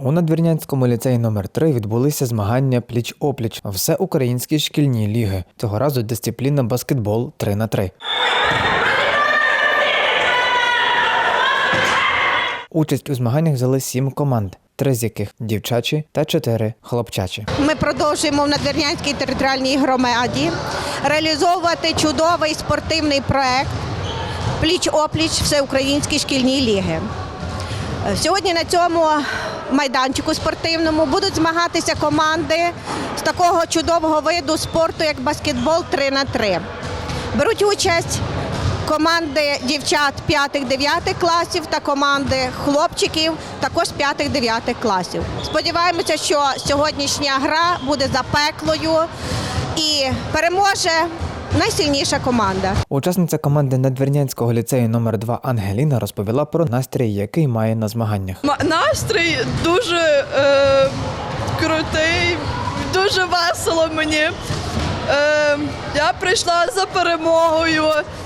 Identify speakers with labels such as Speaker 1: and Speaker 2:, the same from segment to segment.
Speaker 1: У Надвірнянському ліцеї номер 3 відбулися змагання пліч-опліч всеукраїнські шкільні ліги. Цього разу дисципліна баскетбол 3х3. Участь у змаганнях взяли 7 команд, 3 з яких дівчачі та 4 хлопчачі.
Speaker 2: Ми продовжуємо в Надвірнянській територіальній громаді реалізовувати чудовий спортивний проект «Пліч-опліч всеукраїнські шкільні ліги». Сьогодні на цьому майданчику спортивному будуть змагатися команди з такого чудового виду спорту, як баскетбол 3х3. Беруть участь команди дівчат 5-9 класів та команди хлопчиків також 5-9 класів. Сподіваємося, що сьогоднішня гра буде запеклою і переможе найсильніша команда.
Speaker 1: Учасниця команди Надвірнянського ліцею номер 2 Ангеліна розповіла про настрій, який має на змаганнях.
Speaker 3: Настрій дуже крутий, дуже весело мені. Я прийшла за перемогою,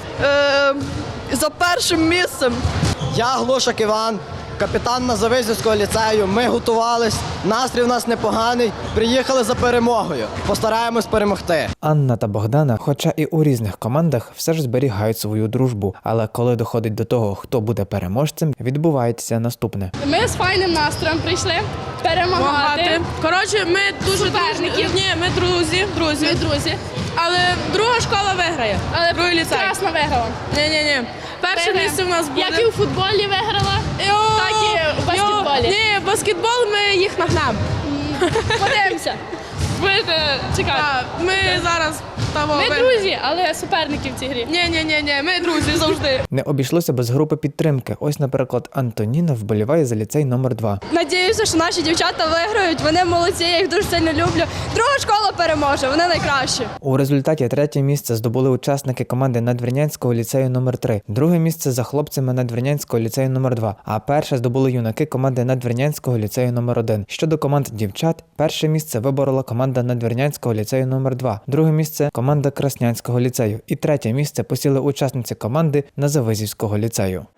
Speaker 3: за першим місцем.
Speaker 4: Я Глушак Іван, капітан Назавизівського ліцею. Ми готувались, настрій у нас непоганий, приїхали за перемогою. Постараємось перемогти.
Speaker 1: Анна та Богдана, хоча і у різних командах, все ж зберігають свою дружбу. Але коли доходить до того, хто буде переможцем, відбувається наступне.
Speaker 5: Ми з файним настроєм прийшли перемагати.
Speaker 3: Коротше, ми дуже
Speaker 5: Суперників.
Speaker 3: Ні, ми друзі.
Speaker 5: Ми друзі.
Speaker 3: Але друга школа виграє.
Speaker 5: Але
Speaker 3: другий ліцей.
Speaker 5: Красна виграла.
Speaker 3: Ні. Перше місце в нас буде.
Speaker 5: Як і у футболі виграла, так і у баскетболі.
Speaker 3: Ні, баскетбол ми їх нагнемо.
Speaker 5: Подивимося. Будете чекати.
Speaker 3: Ми зараз того.
Speaker 5: Ми друзі, але суперники в цій грі.
Speaker 3: Ні, ми друзі завжди.
Speaker 1: Не обійшлося без групи підтримки. Ось, наприклад, Антоніна вболіває за ліцей номер 2.
Speaker 5: Надіюся, що наші дівчата виграють. Вони молодці, я їх дуже сильно люблю. Друга школа переможе, вони найкращі.
Speaker 1: У результаті 3-є місце здобули учасники команди Надвірнянського ліцею номер 3, 2-е місце за хлопцями Надвірнянського ліцею номер 2, а перше здобули юнаки команди Надвірнянського ліцею номер 1. Щодо команд дівчат, перше місце виборола команда Надвірнянського ліцею номер 2, друге місце команда Краснянського ліцею і 3-є місце посіли учасниці команди Назавизівського ліцею.